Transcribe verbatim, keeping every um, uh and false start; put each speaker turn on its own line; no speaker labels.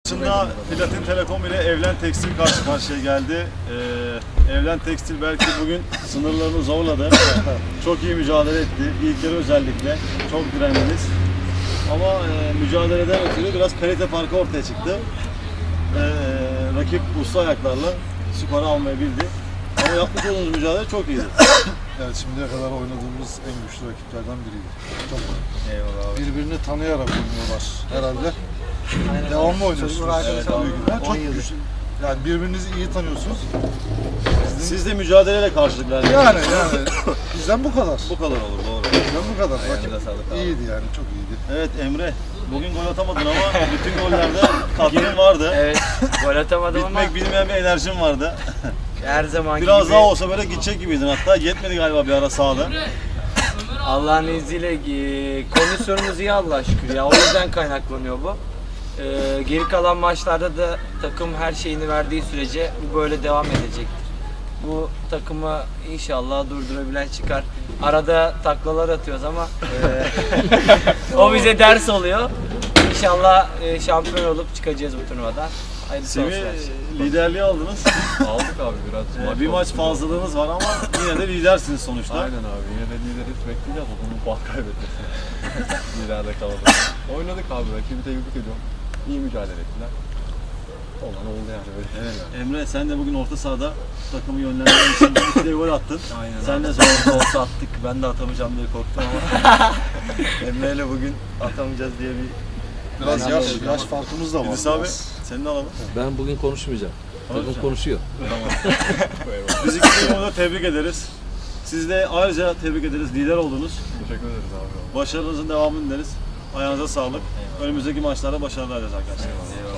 Aslında Platin Telekom ile Evlen Tekstil karşı karşıya geldi. Ee, Evlen Tekstil belki bugün sınırlarını zorladı. Çok iyi mücadele etti. İlkleri özellikle çok direndiniz. Ama e, mücadeleden ötürü biraz kalite farkı ortaya çıktı. Ee, rakip usta ayaklarla skoru almayı bildi. Ama yapmış olduğunuz mücadele çok iyiydi.
Yani şimdiye kadar oynadığımız en güçlü rakiplerden biriydi. Çok
Eyvallah abi.
birbirini tanıyarak oynuyorlar herhalde. Aynen. Devamlı oynuyorsunuz.
Evet,
evet, çok güçlü. Yani birbirinizi iyi tanıyorsunuz. Sizin...
Siz de mücadeleyle karşılık verdiniz.
Yani yani bizden bu kadar.
Bu kadar olur, doğru.
Bizden bu kadar.
Ayağınıza
Rakip
sağlık abi.
iyiydi yani, çok iyiydi.
Evet Emre, bugün gol atamadın ama bütün gollerde katkın vardı.
Evet, gol atamadım ama
Bitmek bilmeyen bir enerjin vardı.
her zamanki
Biraz
gibi
daha olsa böyle gidecek gibiydin, hatta yetmedi galiba bir ara sahada.
Allah'ın izniyle e, kondisyonumuz iyi Allah'a şükür ya, o yüzden kaynaklanıyor bu. E, geri kalan maçlarda da takım her şeyini verdiği sürece bu böyle devam edecektir. Bu takımı inşallah durdurabilen çıkar. Arada taklalar atıyoruz ama e, o bize ders oluyor. İnşallah e, şampiyon olup çıkacağız bu turnuvadan. Hayırlısı olsun.
Semih, liderliği aldınız.
Aldık abi biraz.
Ee,
Maç
bir maç
oldu.
fazlalığınız var ama yine de lidersiniz sonuçta.
Aynen abi, yine de lideri bekleyeceğiz, onun puan kaybetmesi. Liderde kalalım. Oynadık abi, rakibi tebrik ediyorum. İyi mücadele ettiler. Olan oldu yani böyle.
Evet. Emre, sen de bugün orta sahada takımı yönlendirmek için iki de gol attın.
Aynen.
Sen de zor olsa attık. Ben de atamayacağım diye korktum ama Emre ile bugün atamayacağız diye bir
Biraz
Ben
yaş,
anladım.
yaş farkımız da var.
İdris abi,
biraz.
seni de alalım.
Ben bugün konuşmayacağım. Takım
Konuşacağım.
konuşuyor.
Biz iki takımı da tebrik ederiz. Siz de ayrıca tebrik ederiz. Lider oldunuz.
Teşekkür ederiz abi.
Başarınızın devamını dileriz. Ayağınıza sağlık. Önümüzdeki maçlarda başarılar dileriz arkadaşlar.